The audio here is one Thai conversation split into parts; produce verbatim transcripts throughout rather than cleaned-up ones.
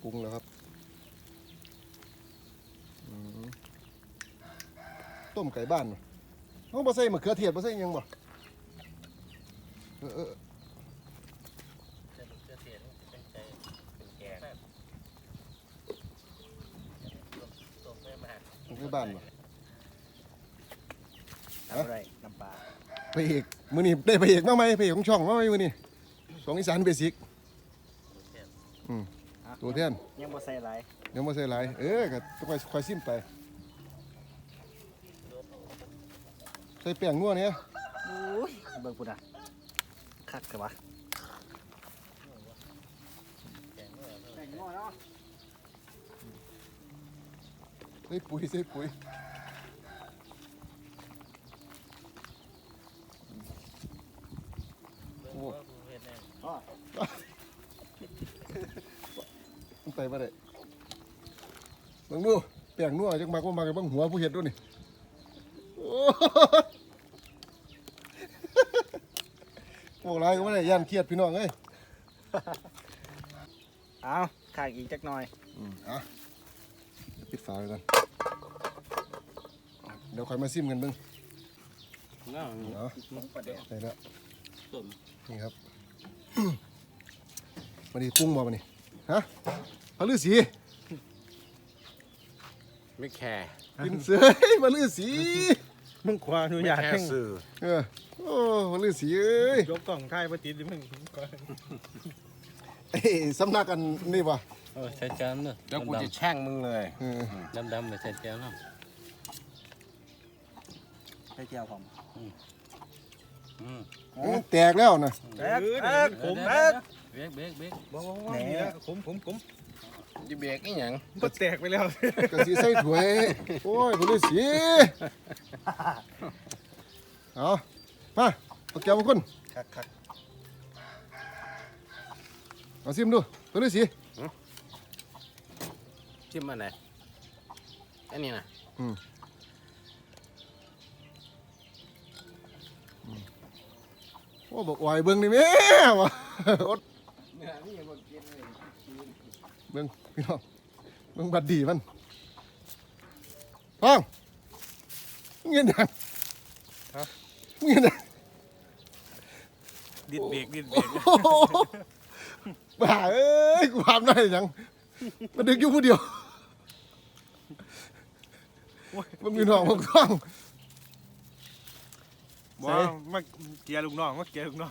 ปรุงแล้วครับต้มไก่บ้านน้องบ่ใส่มะเขือเทศบ่ใส่ยังบ่เออเออไก่บ้านบ่อะไรน้ำปลาพระเอกมื้อนี้ได้พระเอกมาไหมพระเอกของช่องมาไหมมื้อนี้ของอีสานเบสิกอืมตัวแทนยังบ่ใส่หลายยังบ่ใส่หลายเออก็ต้องค่อยๆซิมไปใส่แป้งนัวเนี่ยโอ้ยเบิ่งพุ่นน่ะคักกะวะแป้งนัวเนาะใส่ปุ๋ยใส่ปุ๋ยโอ้มันไปบ่ได้เบิ่งดูแป้งนัวจักมากบ่มากเบิ่งหัวผู้เฮ็ดดูนี่โอ้พวกไรก็ไม่ได้ย่านเครียดพี่น้องเอ้ยเอาข้างอีกจักหน่อยอืมอ่ะปิดฝาไว้ก่อนเดี๋ยวค่อยมาซิมกันเบิ่งเนาะใส่แล้วนี่ครับมาดิปรุงบ่มาดิฮะพระฤาษีไม่แคร์กินเสือมาฤาษีมึงขวาหนูอยากให้สื่อเออโอ้มาฤาษีเอ้ยยกกล่องไทยมาติดดิมึงก่อนเอ้สำนักกันนี่วะเออใช้จานเนอะแล้วกูจะแช่งมึงเลยดำดำๆเลยใช้จานเนาะใส่เจียวผมอืมแตกแล้วนะแตกแตกผมแตกเบรกเบรกเบรกบ้าบ้าบ้านี่นะผมผมผมจะเบรกอีหยังก็แตกไปแล้วกระสีใส่ถ้วยโอ้ยมาฤาษีเอามาเอาแก้วมาคุณคักคักเอาซิมดูตัวฤาษีชิมอันไหนอันนี้นะอืมโอ้บอกไหวเบิ้งนี่แม่วะอดเบิ้งพี่น้องเบิ้งบัดดีมันฟังเงี้ยดังเงี้ยดังดิดเบรกดิดเบรกบ้าเอ้ยกูทำได้ยังมาดึกอยู่ผู้เดียวมันมีน้องมันกล้องว่ามาเกียร์ลูกน้องมาเกียร์ลูกน้อง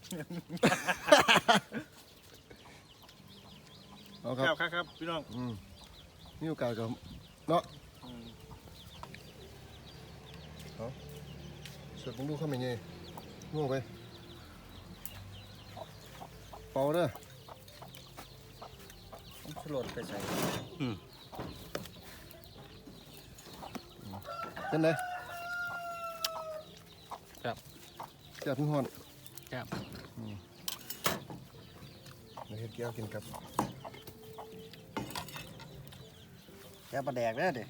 ครับครับครับพี่น้องนี่โอกาสกับเนาะเอาเสิร์ฟมึงดูข้าวมันยังง่วงไปเป่าเด้อสลดไปใส่เป็นไงครับแซ่บพี่ฮอนครับเดี๋ยวเฮ็ดแก้วกินครับแก้วปลาแดกเด้อเด้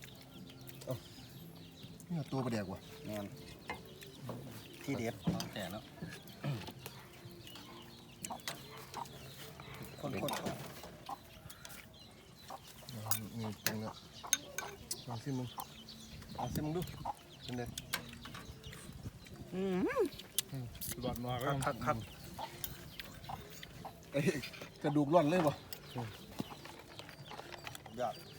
นี่ตัวปลาแดกว่ะแม่นที่เด็ดแต่แล้วคนคนนี่ตรงนี้ลองซิมึงลองซิมึงดูเป็นไงอืมหลอดมาครับครับครับไอ้กระดูกร่อนเลยป่ะยอด